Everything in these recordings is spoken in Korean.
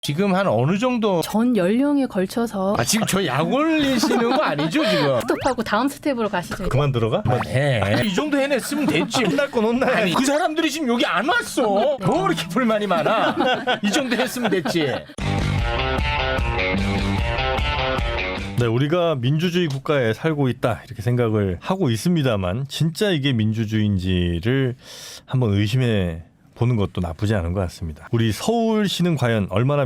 지금 한 어느 정도 전 연령에 걸쳐서 지금 저 약 올리시는 거 아니죠 지금? 스톱하고 다음 스텝으로 가시죠. 그만 들어가? 해. 이 정도 해냈으면 됐지. 혼날 건 혼나야 아니 그 사람들이 지금 여기 안 왔어. 뭐 이렇게 불만이 많아? 이 정도 했으면 됐지. 네, 우리가 민주주의 국가에 살고 있다 이렇게 생각을 하고 있습니다만 진짜 이게 민주주의인지를 한번 의심해 보는 것도 나쁘지 않은 것 같습니다. 우리 서울시는 과연 얼마나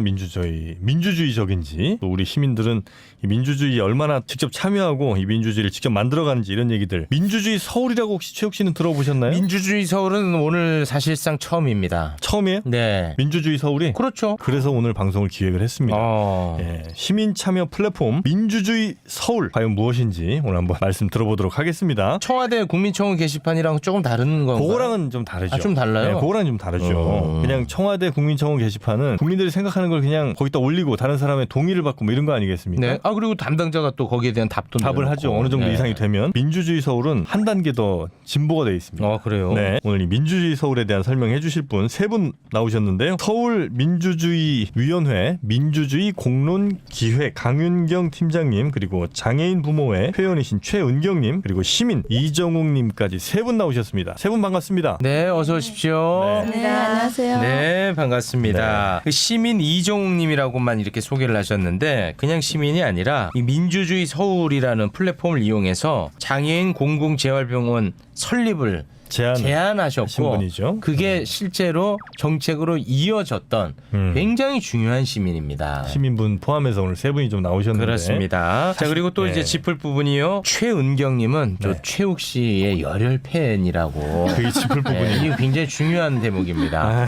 민주주의적인지, 또 우리 시민들은 이 민주주의에 얼마나 직접 참여하고 이 민주주의를 직접 만들어가는지, 이런 얘기들. 민주주의 서울이라고 혹시 최욱 씨는 들어보셨나요? 민주주의 서울은 오늘 사실상 처음입니다. 처음이에요? 네. 민주주의 서울이? 그렇죠. 그래서 오늘 방송을 기획을 했습니다. 예, 시민 참여 플랫폼 민주주의 서울, 과연 무엇인지 오늘 한번 말씀 들어보도록 하겠습니다. 청와대 국민청원 게시판이랑 조금 다른 건가요? 그거랑은 좀 다르죠. 좀 달라요? 네, 그거랑은 좀 다르죠. 그냥 청와대 국민청원 게시판은 국민들이 생각하는 걸 그냥 거기다 올리고 다른 사람의 동의를 받고 뭐 이런 거 아니겠습니까? 네. 그리고 담당자가 또 거기에 대한 답을 하죠. 어느 정도 이상이 되면. 민주주의 서울은 한 단계 더 진보가 되어 있습니다. 그래요? 네. 오늘 이 민주주의 서울에 대한 설명해 주실 분 세 분 나오셨는데요. 서울 민주주의 위원회 민주주의 공론 기획 강윤경 팀장님, 그리고 장애인 부모회 회원이신 최은경님, 그리고 시민 이정욱님까지 세 분 나오셨습니다. 세 분 반갑습니다. 네, 어서 오십시오. 네, 안녕하세요. 네, 반갑습니다. 그 시민 이정욱님이라고만 이렇게 소개를 하셨는데 그냥 시민이 아니라 이 민주주의 서울이라는 플랫폼을 이용해서 장애인 공공재활병원 설립을 제안하셨고 신분이죠. 그게 실제로 정책으로 이어졌던 굉장히 중요한 시민입니다. 시민분 포함해서 오늘 세 분이 좀 나오셨는데. 그렇습니다. 자, 그리고 또 이제 짚을 부분이요. 최은경님은 또 최욱 씨의 열혈 팬이라고. 그게 짚을 부분이. 이게 굉장히 중요한 대목입니다.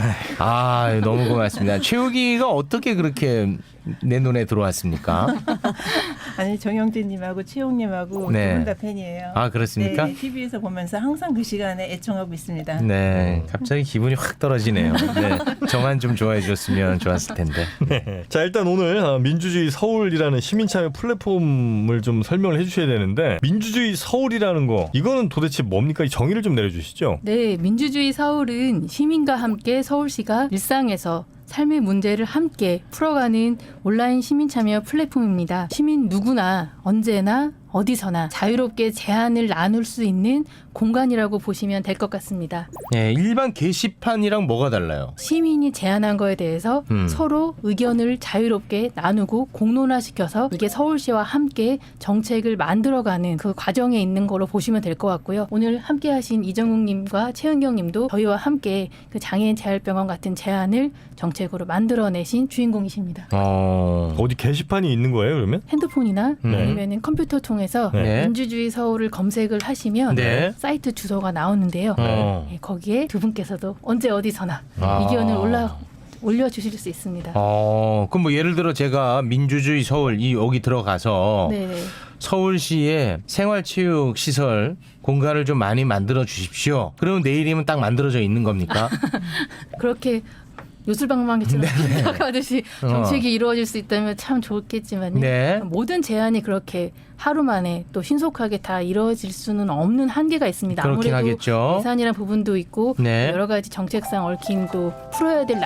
너무 고맙습니다. 최욱이가 어떻게 그렇게 내 눈에 들어왔습니까? 아니, 정영진님하고 최용님하고 네. 두 분 다 팬이에요. 그렇습니까? 네, TV에서 보면서 항상 그 시간에 애청하고 있습니다. 네, 갑자기 기분이 확 떨어지네요. 네, 정한 좀 좋아해 줬으면 좋았을 텐데. 네. 자, 일단 오늘 민주주의 서울이라는 시민참여 플랫폼을 좀 설명을 해주셔야 되는데, 민주주의 서울이라는 거 이거는 도대체 뭡니까? 이 정의를 좀 내려주시죠. 네, 민주주의 서울은 시민과 함께 서울시가 일상에서 삶의 문제를 함께 풀어가는 온라인 시민 참여 플랫폼입니다. 시민 누구나 언제나 어디서나 자유롭게 제안을 나눌 수 있는 공간이라고 보시면 될 것 같습니다. 네, 일반 게시판이랑 뭐가 달라요? 시민이 제안한 거에 대해서 서로 의견을 자유롭게 나누고 공론화시켜서 이게 서울시와 함께 정책을 만들어가는 그 과정에 있는 거로 보시면 될 것 같고요. 오늘 함께 하신 이정욱님과 최은경님도 저희와 함께 그 장애인 재활병원 같은 제안을 정책으로 만들어내신 주인공이십니다. 어디 게시판이 있는 거예요, 그러면? 핸드폰이나 아니면 컴퓨터 통해서 네. 민주주의 서울을 검색을 하시면 네. 사이트 주소가 나오는데요. 네, 거기에 두 분께서도 언제 어디서나 의견을 올려주실 수 있습니다. 그럼 뭐 예를 들어 제가 민주주의 서울 여기 들어가서 네. 서울시의 생활체육 시설 공간을 좀 많이 만들어 주십시오. 그러면 내일이면 딱 만들어져 있는 겁니까? 그렇게 요술방망이처럼 생각하듯이 정책이 이루어질 수 있다면 참 좋겠지만 네. 모든 제안이 그렇게 하루 만에 또 신속하게 다 이루어질 수는 없는 한계가 있습니다. 그렇긴 아무래도 하겠죠. 예산이란 부분도 있고 네. 여러 가지 정책상 얽힘도 풀어야 될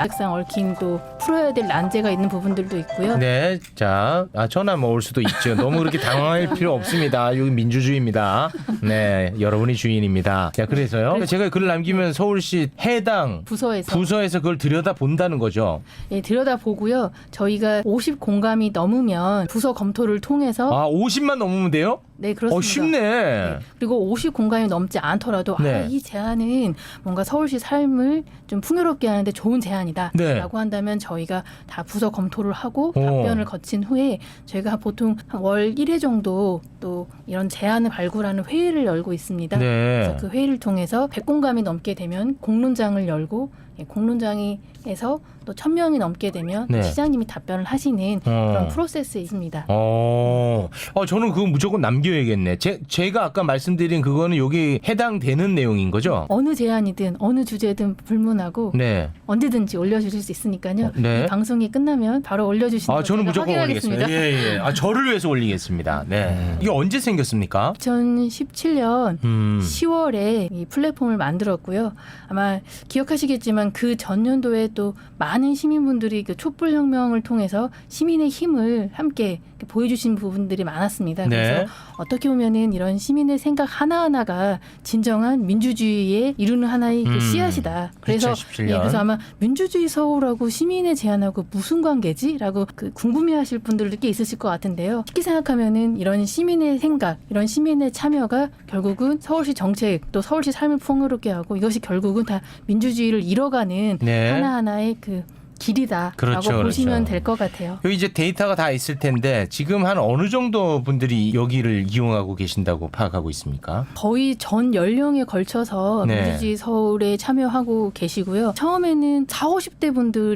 난제가 있는 부분들도 있고요. 네, 자, 전화 뭐 올 수도 있죠. 너무 그렇게 당황할 필요 없습니다. 여기 민주주의입니다. 네, 여러분이 주인입니다. 자, 그래서요. 제가 글을 남기면 서울시 해당 부서에서 그걸 들여다 본다는 거죠. 예, 들여다보고요. 저희가 50 공감이 넘으면 부서 검토를 통해서 50만 넘으면 돼요? 네, 그렇습니다. 쉽네. 네. 그리고 50 공간이 넘지 않더라도 네. 이 제안은 뭔가 서울시 삶을 좀 풍요롭게 하는데 좋은 제안이다 네. 라고 한다면 저희가 다 부서 검토를 하고 답변을 거친 후에 저희가 보통 월 1회 정도 또 이런 제안을 발굴하는 회의를 열고 있습니다. 네. 그래서 그 회의를 통해서 100공감이 넘게 되면 공론장을 열고 공론장에서 또 1000명이 넘게 되면 네. 시장님이 답변을 하시는 그런 프로세스에 있습니다. 저는 그거 무조건 남겨야겠네. 제가 아까 말씀드린 그거는 여기 해당되는 내용인 거죠? 어느 제안이든 어느 주제든 불문하고 네. 언제든지 올려주실 수 있으니까요. 네. 이 방송이 끝나면 바로 올려주시는 거 저는 무조건 확인하겠습니다. 올리겠습니다. 예. 저를 위해서 올리겠습니다. 네. 이게 언제 생겼습니까? 2017년 10월에 이 플랫폼을 만들었고요. 아마 기억하시겠지만 하지만 그 전년도에 또 많은 시민분들이 그 촛불혁명을 통해서 시민의 힘을 함께 보여주신 부분들이 많았습니다. 네. 그래서 어떻게 보면은 이런 시민의 생각 하나하나가 진정한 민주주의에 이루는 하나의 그 씨앗이다. 그래서 2017년. 예, 그래서 아마 민주주의 서울하고 시민의 제안하고 무슨 관계지라고 궁금해하실 분들도 꽤 있으실 것 같은데요. 쉽게 생각하면은 이런 시민의 생각, 이런 시민의 참여가 결국은 서울시 정책 또 서울시 삶을 풍요롭게 하고 이것이 결국은 다 민주주의를 이뤄가는 네. 하나하나의 그 길이다라고 그렇죠, 보시면 그렇죠. 될 것 같아요. 여기 이제 데이터가 다 있을 텐데 지금 한 어느 정도 분들이 여기를 이용하고 계신다고 파악하고 있습니까? 거의 전 연령에 걸쳐서 네. 민주주의 서울에 참여하고 계시고요. 처음에는 40, 50대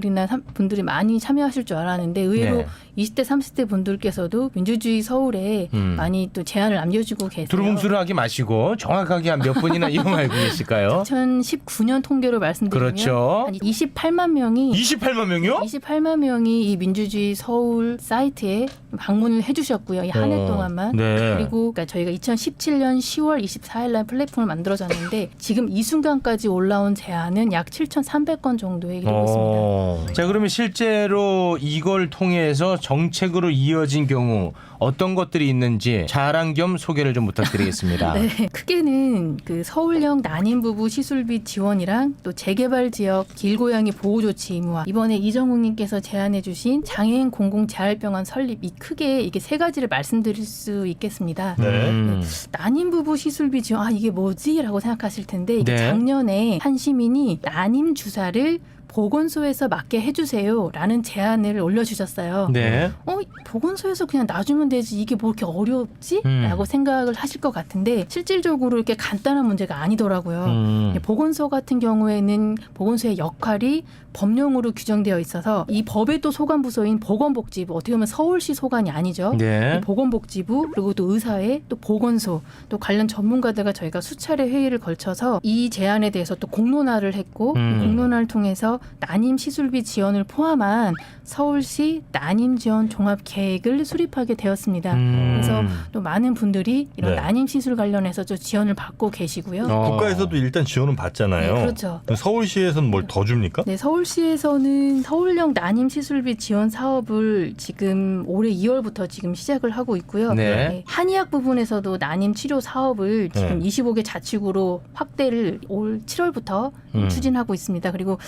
분들이 많이 참여하실 줄 알았는데 의외로 네. 20대, 30대 분들께서도 민주주의 서울에 많이 또 제안을 남겨주고 계세요. 두루뭉술하게 마시고 정확하게 한 몇 분이나 이용하고 계실까요? 2019년 통계로 말씀드리면 그렇죠. 한 28만 명이 28만 명이요? 28만 명이 이 민주주의 서울 사이트에 방문을 해주셨고요. 이 한 해 동안만. 네. 그리고 그러니까 저희가 2017년 10월 24일 날 플랫폼을 만들어졌는데 지금 이 순간까지 올라온 제안은 약 7,300건 정도에 이르고 있습니다. 자, 그러면 실제로 이걸 통해서 정책으로 이어진 경우 어떤 것들이 있는지 자랑 겸 소개를 좀 부탁드리겠습니다. 네, 크게는 그 서울형 난임 부부 시술비 지원이랑 또 재개발 지역 길고양이 보호 조치 의무화, 이번에 이정욱님께서 제안해주신 장애인 공공 재활병원 설립, 이 크게 이게 세 가지를 말씀드릴 수 있겠습니다. 네. 난임 부부 시술비 지원, 이게 뭐지라고 생각하실 텐데 이게 네. 작년에 한 시민이 난임 주사를 보건소에서 맞게 해주세요라는 제안을 올려주셨어요. 네. 보건소에서 그냥 놔주면 되지 이게 뭐 이렇게 어렵지? 라고 생각을 하실 것 같은데 실질적으로 이렇게 간단한 문제가 아니더라고요. 보건소 같은 경우에는 보건소의 역할이 법령으로 규정되어 있어서 이 법의 또 소관부서인 보건복지부, 어떻게 보면 서울시 소관이 아니죠. 네. 이 보건복지부 그리고 또 의사회 또 보건소 또 관련 전문가들과 저희가 수차례 회의를 걸쳐서 이 제안에 대해서 또 공론화를 했고 이 공론화를 통해서 난임 시술비 지원을 포함한 서울시 난임 지원 종합 계획을 수립하게 되었습니다. 그래서 또 많은 분들이 이런 네. 난임 시술 관련해서 좀 지원을 받고 계시고요. 국가에서도 일단 지원은 받잖아요. 네, 그렇죠. 서울시에서는 뭘 더 줍니까? 네, 서울시에서는 서울형 난임 시술비 지원 사업을 지금 올해 2월부터 지금 시작을 하고 있고요. 네. 한의학 부분에서도 난임 치료 사업을 지금 25개 자치구로 확대를 올 7월부터 추진하고 있습니다. 그리고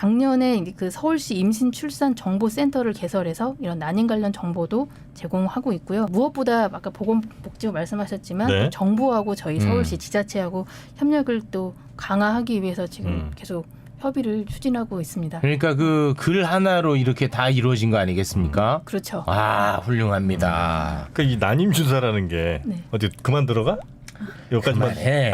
작년에 그 서울시 임신 출산 정보센터를 개설해서 이런 난임 관련 정보도 제공하고 있고요. 무엇보다 아까 보건복지부 말씀하셨지만 네. 정부하고 저희 서울시 지자체하고 협력을 또 강화하기 위해서 지금 계속 협의를 추진하고 있습니다. 그러니까 그 글 하나로 이렇게 다 이루어진 거 아니겠습니까? 그렇죠. 아, 훌륭합니다. 그러니까 이 난임 주사라는 게 네. 어디 그만 들어가? 여기까지만 해.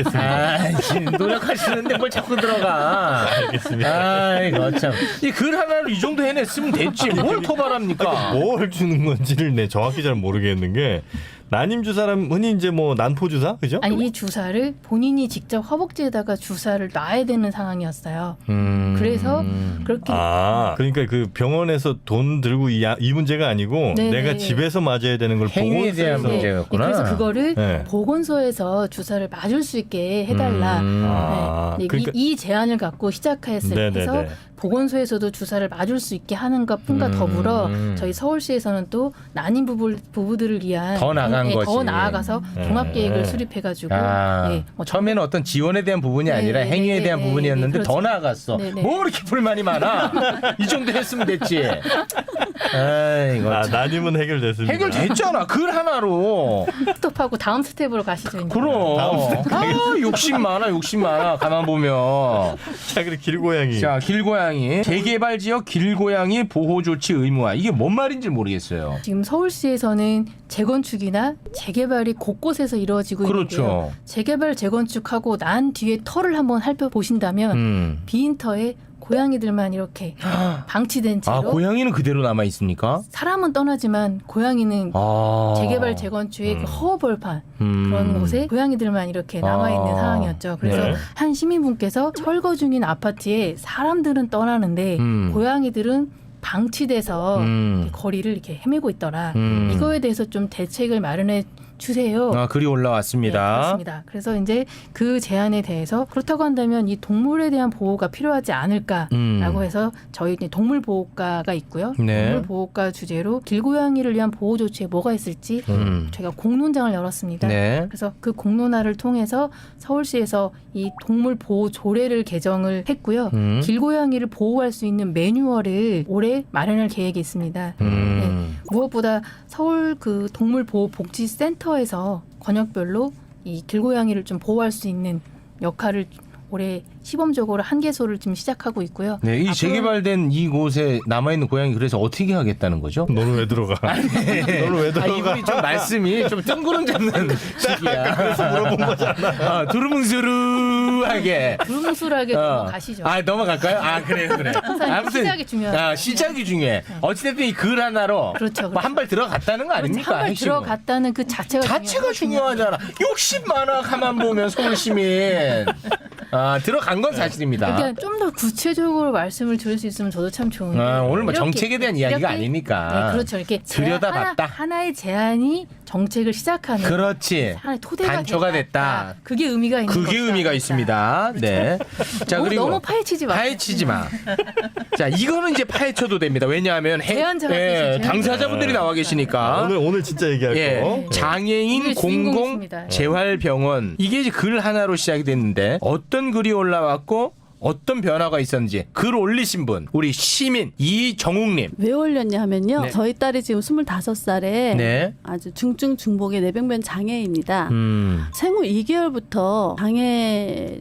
알겠습니다. 지금 노력하시는데 뭘 자꾸 들어가. 알겠습니다. 아이고 참. 이 글 하나로 이 정도 해냈으면 됐지. 뭘 토발합니까? 뭘 주는 건지를 내 정확히 잘 모르겠는 게 난임 주사라면 흔히 이제 뭐 난포 주사 그죠? 아니 이 주사를 본인이 직접 허벅지에다가 주사를 놔야 되는 상황이었어요. 그래서 그렇게 그러니까 그 병원에서 돈 들고 이 문제가 아니고 네네. 내가 집에서 맞아야 되는 걸 행위에 대한 보건소에서 문제였구나. 그래서 그거를 네. 보건소에서 주사를 맞을 수 있게 해달라. 네. 그러니까 이 제안을 갖고 시작해서 네네네. 보건소에서도 주사를 맞을 수 있게 하는 것뿐과 더불어 저희 서울시에서는 또 난임 부부들을 위한 더 나간 거지. 더 나아가서 네. 종합 계획을 수립해가지고 뭐 처음에는 어떤 지원에 대한 부분이 아니라 네, 행위에 네, 대한 네, 부분이었는데 네, 더 그렇죠. 나아갔어. 네, 네. 뭐 이렇게 불만이 많아? 이 정도 했으면 됐지. 아이고. 참. 난임은 해결됐습니다. 해결됐잖아. 글 하나로. 스톱하고 다음 스텝으로 가시죠. 이제. 그럼. 욕심 많아, 욕심 많아. 가만 보면. 자, 그리고 길고양이. 자, 길고양이. 재개발 지역 길고양이 보호 조치 의무화. 이게 뭔 말인지 모르겠어요. 지금 서울시에서는 재건축이나 재개발이 곳곳에서 이루어지고 그렇죠. 있는데요. 재개발 재건축하고 난 뒤에 터를 한번 살펴보신다면 빈 터에 고양이들만 이렇게 방치된 채로 고양이는 그대로 남아 있습니까? 사람은 떠나지만 고양이는 재개발 재건축의 그 허허벌판 그런 곳에 고양이들만 이렇게 남아있는 상황이었죠. 그래서 네. 한 시민분께서 철거 중인 아파트에 사람들은 떠나는데 고양이들은 방치돼서 이렇게 거리를 이렇게 헤매고 있더라. 이거에 대해서 좀 대책을 마련해 주세요. 글이 네, 올라왔습니다. 그렇습니다. 그래서 이제 그 제안에 대해서 그렇다고 한다면 이 동물에 대한 보호가 필요하지 않을까라고 해서 저희 이제 동물 보호과가 있고요. 네. 동물 보호과 주제로 길고양이를 위한 보호 조치에 뭐가 있을지 저희가 공론장을 열었습니다. 네. 그래서 그 공론화를 통해서 서울시에서 이 동물 보호 조례를 개정을 했고요. 길고양이를 보호할 수 있는 매뉴얼을 올해 마련할 계획이 있습니다. 무엇보다 서울 그 동물보호복지센터에서 권역별로 이 길고양이를 좀 보호할 수 있는 역할을 올해 시범적으로 한 개소를 지금 시작하고 있고요. 네, 이 재개발된 이곳에 남아있는 고양이 그래서 어떻게 하겠다는 거죠? 너는 왜 들어가? 너는 왜 들어가? 이분이 좀 말씀이 좀 뜬구름 잡는 식이야. 그래서 물어본 거잖아. 두루뭉술하게. 두루뭉술하게 넘어가시죠. 넘어갈까요? 그래. 항상 시작이 중요하죠. 시작이 중요해. 어찌됐든 이 글 하나로 그렇죠. 한 발 들어갔다는 거 아닙니까? 한 발 핵심은. 들어갔다는 그 자체가 중요하잖아. 욕심 많아. 가만 보면 서울시민. 들어간 건 사실입니다. 그러니까 좀 더 구체적으로 말씀을 드릴 수 있으면 저도 참 좋은데. 오늘 뭐 이렇게, 정책에 대한 이야기가 이렇게, 아니니까. 네, 그렇죠. 이렇게 들여다봤다. 하나의 제안이 정책을 시작하는. 그렇지. 하나의 토대가 단초가 됐다. 그게 의미가 있는 그게 의미가 있습니다. 네. 자, 그리고 너무 파헤치지 마세요. 파헤치지 마. 자, 이거는 이제 파헤쳐도 됩니다. 왜냐하면 제안자가 계시죠. 당사자분들이 나와 계시니까. 오늘 진짜 얘기할 거. 장애인 오늘 공공 주인공이십니다. 재활병원 이게 이제 글 하나로 시작이 됐는데 어떤 글이 올라왔고 어떤 변화가 있었는지 글 올리신 분 우리 시민 이정욱님. 왜 올렸냐 하면요. 네. 저희 딸이 지금 25살에 네. 아주 중증 중복의 뇌병변 장애입니다. 생후 2개월부터 장애를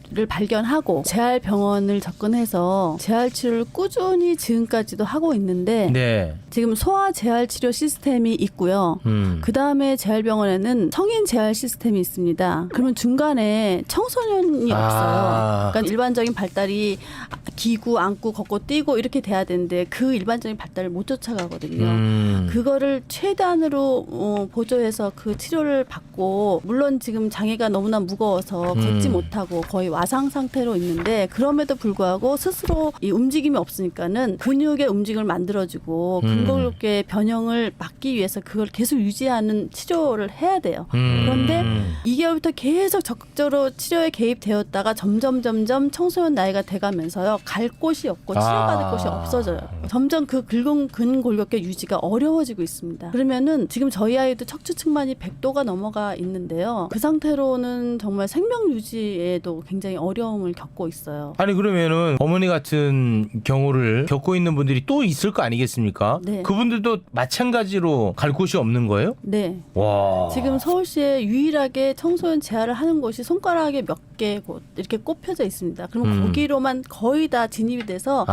발견하고 재활병원을 접근해서 재활치료를 꾸준히 지금까지도 하고 있는데 네. 지금 소아 재활치료 시스템이 있고요. 그 다음에 재활병원에는 성인 재활 시스템이 있습니다. 그러면 중간에 청소년이 없어요. 그러니까 일반적인 발달이 기구, 앉고, 걷고, 뛰고 이렇게 돼야 되는데 그 일반적인 발달을 못 쫓아가거든요. 그거를 최대한으로 보조해서 그 치료를 받고 물론 지금 장애가 너무나 무거워서 걷지 못하고 거의 와상 상태로 있는데 그럼에도 불구하고 스스로 이 움직임이 없으니까는 근육의 움직임을 만들어주고 근골격계 변형을 막기 위해서 그걸 계속 유지하는 치료를 해야 돼요. 그런데 2개월부터 계속 적극적으로 치료에 개입되었다가 점점 청소년 나이가 돼가면서요 갈 곳이 없고 치료받을 곳이 없어져요. 점점 그 근골격계 유지가 어려워지고 있습니다. 그러면은 지금 저희 아이도 척추 측만이 100도가 넘어가 있는데요. 그 상태로는 정말 생명 유지에도 굉장히 어려움을 겪고 있어요. 아니 그러면은 어머니 같은 경우를 겪고 있는 분들이 또 있을 거 아니겠습니까? 네. 그분들도 마찬가지로 갈 곳이 없는 거예요? 네. 와. 지금 서울시에 유일하게 청소년 재활을 하는 곳이 손가락에 몇 개 곳 이렇게 꼽혀져 있습니다. 그럼 거기로만 거의 다 진입이 돼서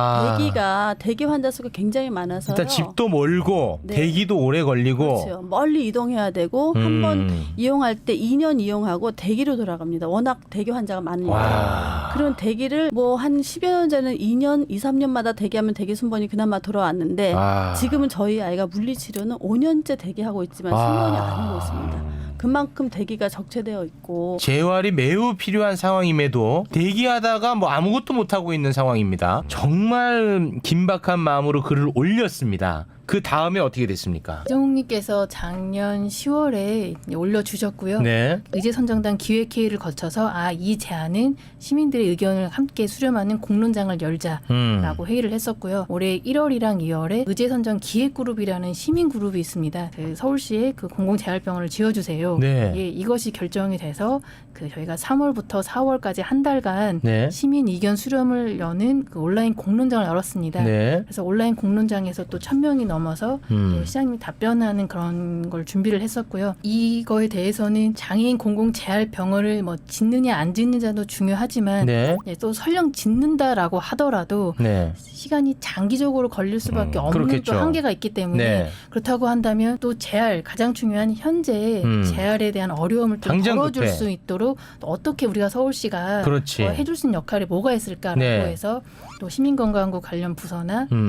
대기 환자 수가 굉장히 많아서요. 일단 집도 멀고 네. 대기도 오래 걸리고. 그렇죠. 멀리 이동해야 되고 한 번 이용할 때 2년 이용하고 대기로 돌아갑니다. 워낙 대기 환자가 많으니까. 그런 대기를 뭐 한 10여 년 전에는 2년, 2, 3년마다 대기하면 대기 순번이 그나마 돌아왔는데 지금은 저희 아이가 물리치료는 5년째 대기하고 있지만 순번이 안 오고 있습니다. 그만큼 대기가 적체되어 있고 재활이 매우 필요한 상황임에도 대기하다가 뭐 아무것도 못하고 있는 상황입니다. 정말 긴박한 마음으로 글을 올렸습니다. 그 다음에 어떻게 됐습니까? 이정욱님께서 작년 10월에 올려주셨고요. 네. 의제선정단 기획회의를 거쳐서 이 제안은 시민들의 의견을 함께 수렴하는 공론장을 열자라고 회의를 했었고요. 올해 1월이랑 2월에 의제선정 기획그룹이라는 시민그룹이 있습니다. 그 서울시에 그 공공재활병원을 지어주세요. 네. 예, 이것이 결정이 돼서 그 저희가 3월부터 4월까지 한 달간 네. 시민 의견 수렴을 여는 그 온라인 공론장을 열었습니다. 네. 그래서 온라인 공론장에서 또 1,000명이 넘어서 또 시장님이 답변하는 그런 걸 준비를 했었고요. 이거에 대해서는 장애인 공공재활병원을 뭐 짓느냐 안 짓느냐도 중요하지만 네. 또 설령 짓는다라고 하더라도 네. 시간이 장기적으로 걸릴 수밖에 없는 그렇겠죠. 또 한계가 있기 때문에 네. 그렇다고 한다면 또 재활 가장 중요한 현재 재활에 대한 어려움을 좀 당장 덜어줄 급해. 수 있도록 또 어떻게 우리가 서울시가 그렇지. 해줄 수 있는 역할이 뭐가 있을까라고 네. 해서 또 시민건강국 관련 부서나 또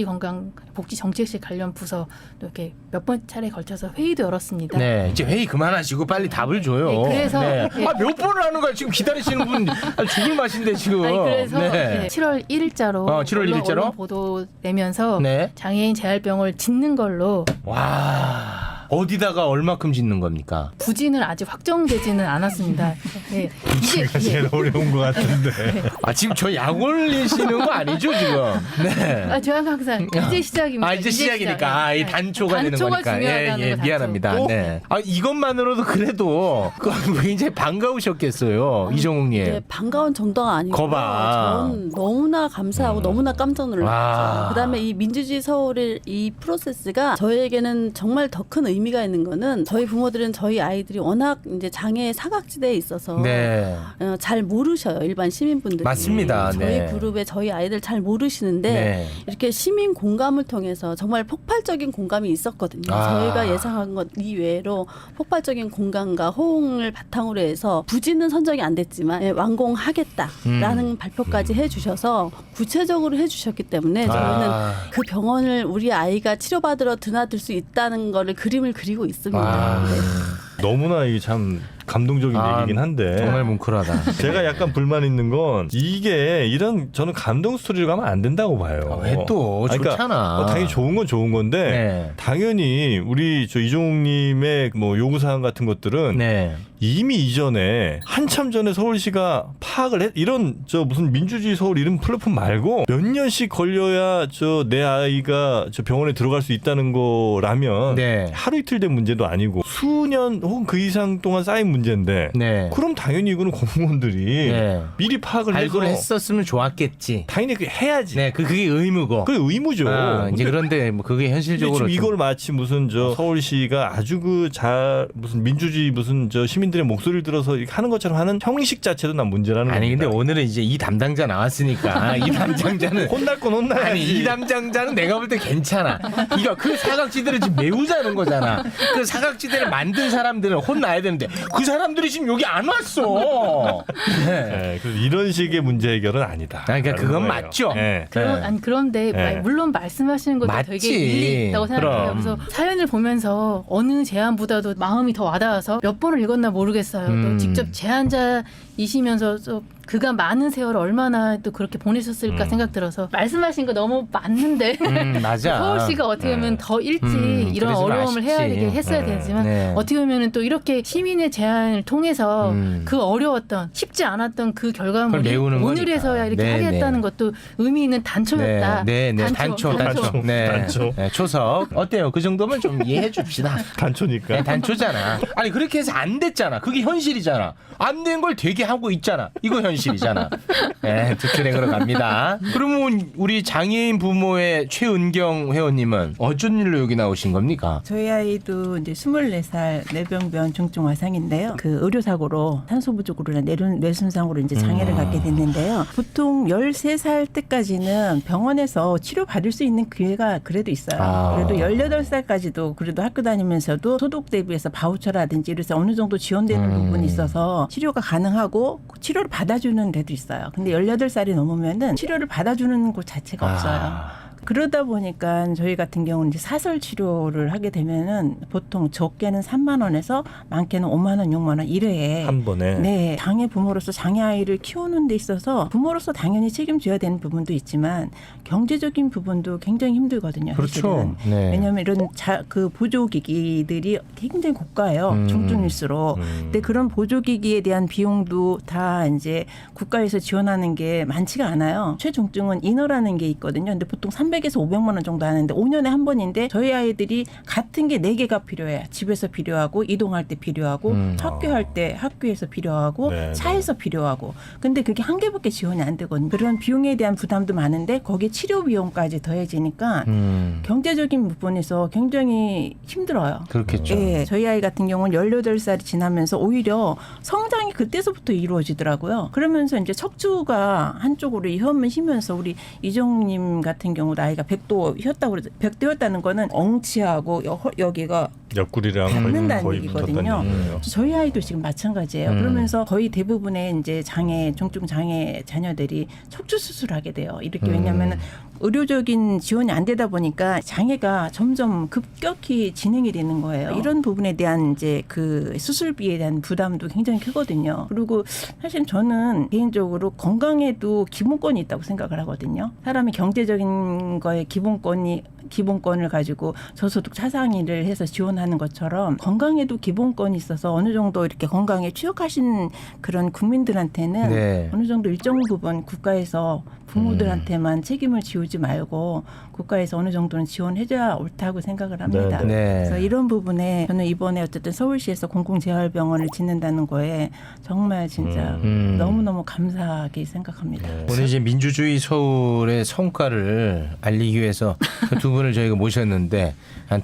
복지정책실 관련 부서 또 이렇게 몇 번 차례 걸쳐서 회의도 열었습니다. 네, 이제 회의 그만하시고 빨리 답을 줘요. 네, 그래서 네. 네. 몇 번을 하는 거야 지금 기다리시는 분 죽을 맛인데 지금. 그래서 네. 7월 1일자로 7월 1일자로 보도 내면서 네. 장애인 재활병원을 짓는 걸로 와. 어디다가 얼마큼 짓는 겁니까? 부지는 아직 확정되지는 않았습니다. 네. 제가 제일 어려운 것 같은데. 아 지금 저 약 올리시는 거 아니죠 지금? 네. 저는 항상 이제 시작입니다. 아 이제 시작이니까 이 단초가 되는 단초가 거니까 중요하다는 거, 단초. 미안합니다. 네. 아 이것만으로도 그래도 굉장히 반가우셨겠어요 이정욱님. 네, 반가운 정도가 아니고 거봐. 전 너무나 감사하고 너무나 깜짝 놀랐죠. 아. 그다음에 이 민주주의 서울의 이 프로세스가 저희에게는 정말 더 큰 의미가 있는 거는 저희 부모들은 저희 아이들이 워낙 이제 장애 사각지대에 있어서 네. 잘 모르셔요. 일반 시민분들이. 맞습니다. 저희 네. 그룹에 저희 아이들 잘 모르시는데 네. 이렇게 시민 공감을 통해서 정말 폭발적인 공감이 있었거든요. 아. 저희가 예상한 것 이외로 폭발적인 공감과 호응을 바탕으로 해서 부지는 선정이 안 됐지만 완공하겠다라는 발표까지 해주셔서 구체적으로 해주셨기 때문에 저희는 그 병원을 우리 아이가 치료받으러 드나들 수 있다는 거를 그림을 그리고 있습니다. 네. 너무나 이게 참 감동적인 얘기긴 한데 정말 뭉클하다. 제가 약간 불만 있는 건 이게 이런 저는 감동 스토리로 가면 안 된다고 봐요. 왜 또 좋잖아. 당연히 좋은 건 좋은 건데 네. 당연히 우리 저 이종욱님의 뭐 요구 사항 같은 것들은 네. 이미 이전에 한참 전에 서울시가 파악을 했 이런 저 무슨 민주주의 서울 이런 플랫폼 말고 몇 년씩 걸려야 저 내 아이가 저 병원에 들어갈 수 있다는 거라면 네. 하루 이틀 된 문제도 아니고 수년 혹은 그 이상 동안 쌓인 문제인데 네. 그럼 당연히 이거는 공무원들이 네. 미리 파악을 해서 발굴을 했었으면 좋았겠지. 당연히 그게 해야지. 네, 그게 의무고. 그게 의무죠. 이제 근데 그런데 뭐 그게 현실적으로 지금 좀- 이걸 마치 무슨 저 서울시가 아주 무슨 민주주의 무슨 저 시민들의 목소리를 들어서 이렇게 하는 것처럼 하는 형식 자체도 난 문제라는 아니 겁니다. 근데 오늘은 이제 이 담당자 나왔으니까 이 담당자는 혼날 건 혼나야지. 아니 이 담당자는 내가 볼 때 괜찮아. 이거 그 사각지대를 지금 메우자는 거잖아. 그 사각지대를 만든 사람들은 혼나야 되는데 그 사람들이 지금 여기 안 왔어. 네. 네, 그래서 이런 식의 문제 해결은 아니다. 그러니까 그건 거예요. 맞죠. 네. 그런데 네. 물론 말씀하시는 것도 맞지. 되게 일리 있다고 생각해요. 그럼. 그래서 사연을 보면서 어느 제안보다도 마음이 더 와닿아서 몇 번을 읽었나 모르겠어요. 또 직접 제안자이시면서 또 그간 많은 세월을 얼마나 또 그렇게 보내셨을까 생각 들어서 말씀하신 거 너무 맞는데 맞아. 서울시가 어떻게 보면 더 일찍 이런 그러지 어려움을 해야 마십지. 되게 했어야 되지만 네. 어떻게 보면 또 이렇게 시민의 제안을 통해서 그 어려웠던 쉽지 않았던 그 그걸 결과물이 메우는 오늘에서야 이렇게 거니까. 네, 하겠다는 것도 의미 있는 단초였다. 네, 단초. 네. 단초. 네, 초석. 어때요? 그 정도면 좀 이해해 줍시다. 단초니까. 네, 단초잖아. 아니 그렇게 해서 안 됐잖아. 그게 현실이잖아. 안 된 걸 되게 하고 있잖아. 이거 현실이잖아. 네, 특출행으로 갑니다. 그러면 우리 장애인 부모의 최은경 회원님은 어쩐 일로 여기 나오신 겁니까? 저희 아이도 이제 24살 뇌병변 중증 화상인데요. 그 의료사고로 산소 부족으로 뇌손상으로 이제 장애를 갖게 됐는데요. 보통 13살 때까지는 병원에서 치료받을 수 있는 기회가 그래도 있어요. 아. 그래도 18살까지도 그래도 학교 다니면서도 소득 대비해서 바우처라든지 이래서 어느 정도 지원되는 부분이 있어서 치료가 가능하고 치료를 받아주는 데도 있어요. 근데 18살이 넘으면은 치료를 받아주는 곳 자체가 없어요. 그러다 보니까 저희 같은 경우는 이제 사설 치료를 하게 되면은 보통 적게는 3만 원에서 많게는 5만 원, 6만 원 1회에 한 번에. 네, 장애 부모로서 장애 아이를 키우는 데 있어서 부모로서 당연히 책임져야 되는 부분도 있지만 경제적인 부분도 굉장히 힘들거든요. 그렇죠. 사실은. 네. 왜냐하면 이런 그 보조기기들이 굉장히 고가예요. 중증일수록. 근데 그런 보조기기에 대한 비용도 다 이제 국가에서 지원하는 게 많지가 않아요. 최중증은 인허라는 게 있거든요. 근데 보통 300에서 500만 원 정도 하는데 5년에 한 번인데 저희 아이들이 같은 게 4개가 필요해. 집에서 필요하고 이동할 때 필요하고 학교할 때 학교에서 필요하고 네, 차에서 필요하고 근데 그게 한 개밖에 지원이 안 되거든요. 그런 비용에 대한 부담도 많은데 거기에 치료 비용까지 더해지니까 경제적인 부분에서 굉장히 힘들어요. 그렇겠죠. 예, 저희 아이 같은 경우는 18살이 지나면서 오히려 성장이 그때서부터 이루어지더라고요. 그러면서 이제 척추가 한쪽으로 혀면 휘면서 우리 이정님 같은 경우도 아이가 백도 휘었다고 그러죠. 백도 휘었다는 거는 엉치하고 여기가 옆구리랑 닿는다는 거의 얘기거든요. 붙었다는 얘기예요. 저희 아이도 지금 마찬가지예요. 그러면서 거의 대부분의 이제 중증 장애 자녀들이 척추 수술을 하게 돼요. 이렇게 왜냐하면 의료적인 지원이 안 되다 보니까 장애가 점점 급격히 진행이 되는 거예요. 이런 부분에 대한 이제 그 수술비에 대한 부담도 굉장히 크거든요. 그리고 사실 저는 개인적으로 건강에도 기본권이 있다고 생각을 하거든요. 사람이 경제적인 거에 기본권을 가지고 저소득 차상위를 해서 지원하는 것처럼 건강에도 기본권이 있어서 어느 정도 이렇게 건강에 취약하신 그런 국민들한테는 네. 어느 정도 일정 부분 국가에서 부모들한테만 책임을 지우지 말고 국가에서 어느 정도는 지원해줘야 옳다고 생각을 합니다. 네, 네. 그래서 이런 부분에 저는 이번에 어쨌든 서울시에서 공공재활병원을 짓는다는 거에 정말 진짜 너무너무 감사하게 생각합니다. 오늘 이제 민주주의 서울의 성과를 알리기 위해서 그 두 분을 저희가 모셨는데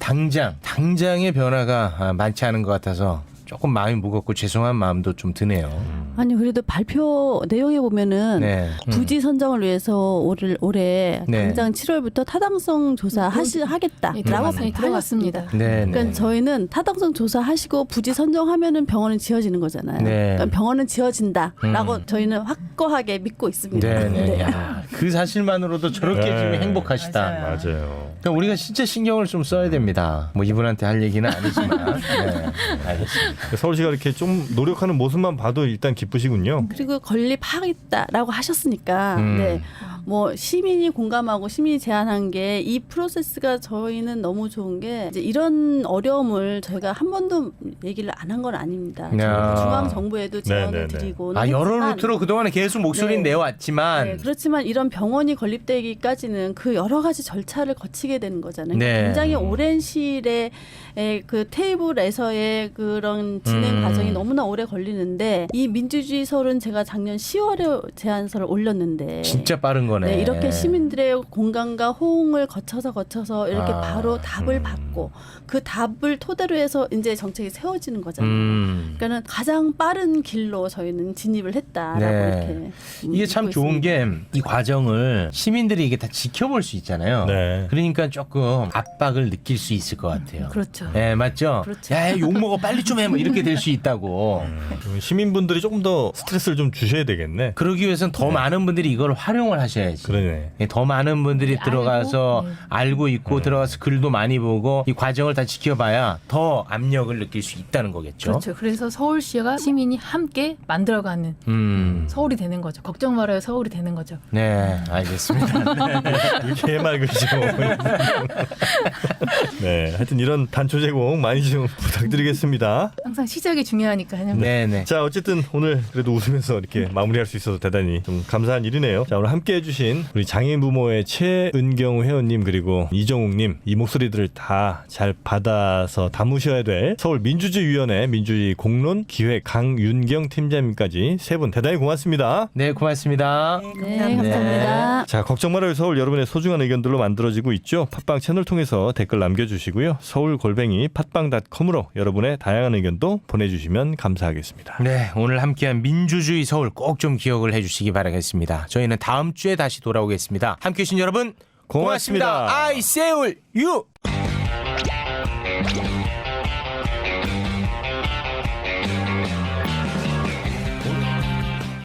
당장의 변화가 많지 않은 것 같아서 조금 마음이 무겁고 죄송한 마음도 좀 드네요. 아니 그래도 발표 내용에 보면은 네. 부지 선정을 위해서 올해 네. 당장 7월부터 타당성 조사 하겠다라고 네, 들어갔습니다. 네. 그러니까 네. 저희는 타당성 조사하시고 부지 선정하면은 병원은 지어지는 거잖아요. 네. 그러니까 병원은 지어진다라고 저희는 확고하게 믿고 있습니다. 네. 야, 그 사실만으로도 저렇게 네. 지금 행복하시다. 맞아요. 그러니까 우리가 진짜 신경을 좀 써야 됩니다. 뭐 이분한테 할 얘기는 아니지만. 네. 알겠습니다. 서울시가 이렇게 좀 노력하는 모습만 봐도 일단 기쁘시군요. 그리고 건립하겠다라고 하셨으니까 음. 네. 뭐 시민이 공감하고 시민이 제안한 게 이 프로세스가 저희는 너무 좋은 게 이제 이런 어려움을 저희가 한 번도 얘기를 안 한 건 아닙니다. 야. 중앙 정부에도 제안을 네네네. 드리고 여러 루트로 그동안에 계속 목소리는 네. 내왔지만 네, 그렇지만 이런 병원이 건립되기까지는 그 여러 가지 절차를 거치게 되는 거잖아요. 네. 굉장히 오랜 시일에 그 테이블에서의 그런 진행 과정이 너무나 오래 걸리는데 이 민주주의 서울은 제가 작년 10월에 제안서를 올렸는데 진짜 빠른 거네. 네, 이렇게 시민들의 공감과 호응을 거쳐서 이렇게 아, 바로 답을 받고 그 답을 토대로 해서 이제 정책이 세워지는 거잖아요. 그러니까는 가장 빠른 길로 저희는 진입을 했다라고 네. 이렇게 이게 참 믿고 좋은 있습니다. 게 이 과정을 시민들이 이게 다 지켜볼 수 있잖아요. 네. 그러니까 조금 압박을 느낄 수 있을 것 같아요. 그렇죠. 네, 맞죠? 그렇죠. 야, 욕 먹어 빨리 좀 해. 뭐 이렇게 될 수 있다고. 시민분들이 조금 더 스트레스를 좀 주셔야 되겠네. 그러기 위해서는 더 많은 분들이 이걸 활용을 하셔야지. 그러네. 예, 더 많은 분들이 알고, 들어가서 네. 알고 있고 들어가서 글도 많이 보고 이 과정을 다 지켜봐야 더 압력을 느낄 수 있다는 거겠죠. 그렇죠. 그래서 서울시와 시민이 함께 만들어가는 서울이 되는 거죠. 걱정 말아요. 서울이 되는 거죠. 네, 알겠습니다. 이렇게 해맑으시죠. 네, 하여튼 이런 단초 제공 많이 좀 부탁드리겠습니다. 항상 시작이 중요하니까요. 네, 네. 자, 어쨌든 오늘 그래도 웃으면서 이렇게 마무리할 수 있어서 대단히 좀 감사한 일이네요. 자, 오늘 함께 해주신 우리 장애인 부모의 최은경 회원님 그리고 이정욱님 이 목소리들을 다 잘 받아서 담으셔야 될 서울민주주의위원회 민주주의 공론 기획 강윤경 팀장님까지 세 분 대단히 고맙습니다. 네, 고맙습니다. 네, 감사합니다. 자, 걱정 말아요 서울 여러분의 소중한 의견들로 만들어지고 있죠. 팟빵 채널 통해서 댓글 남겨주시고요. 서울@팟빵.com으로 여러분의 다양한 의견도 보내주시면 감사하겠습니다. 네, 오늘 함께한 민주주의 서울 꼭 좀 기억을 해주시기 바라겠습니다. 저희는 다음 주에 다시 돌아오겠습니다. 함께해 주신 여러분 고맙습니다. 고맙습니다. I Seoul you.